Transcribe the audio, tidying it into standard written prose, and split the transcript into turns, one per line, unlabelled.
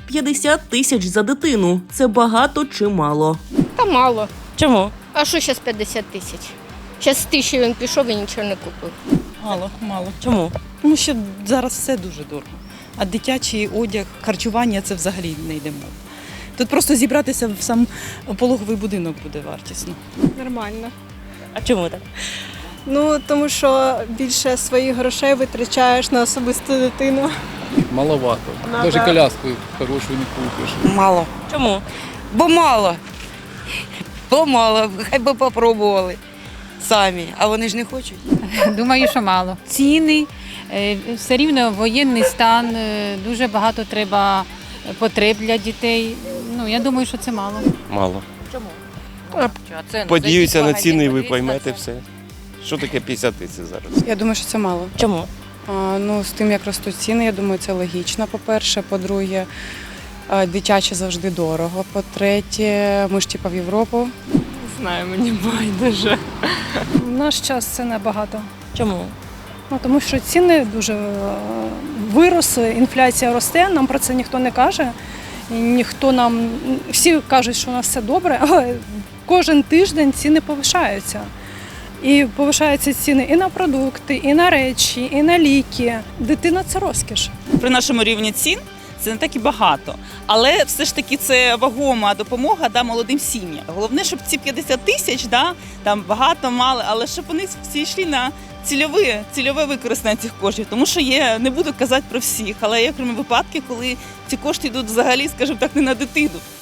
50 тисяч за дитину. Це багато чи мало?
Та мало.
Чому?
А що зараз 50 тисяч? Зараз з 1000 він пішов і нічого не купив.
Мало.
Чому?
Тому що зараз все дуже дорого. А дитячий одяг, харчування – це взагалі не йде мова. Тут просто зібратися в сам пологовий будинок буде вартісно.
Нормально.
А чому так?
Ну, тому що більше своїх грошей витрачаєш на особисту дитину.
Маловато. Даже коляску хорошу не купиш.
Мало.
Чому?
Бо мало. Бо мало. Хай би попробували самі. А вони ж не хочуть.
Думаю, що мало. Ціни, все рівно воєнний стан, дуже багато треба потреб для дітей. Ну, я думаю, що це мало.
Мало.
Чому?
Подіються на ціни і ви поймете все. Що таке 50 тисяч зараз?
Я думаю, що це мало.
Чому?
Ну, з тим, як ростуть ціни, я думаю, це логічно, по-перше. По-друге, дитяче завжди дорого. По-третє, ми ж в Європу.
Знаю, мені байдуже.
В наш час це небагато.
Чому?
Ну, тому що ціни дуже виросли, інфляція росте, нам про це ніхто не каже. І ніхто нам, всі кажуть, що у нас все добре, але кожен тиждень ціни повишаються. І повишаються ціни і на продукти, і на речі, і на ліки. Дитина – це розкіш.
При нашому рівні цін це не так і багато. Але все ж таки це вагома допомога молодим сім'ям. Головне, щоб ці 50 тисяч, там багато, мало, але щоб вони всі йшли на цільове використання цих коштів. Тому що є, не буду казати про всіх, але є окремі випадки, коли ці кошти йдуть взагалі, скажімо так, не на дитину.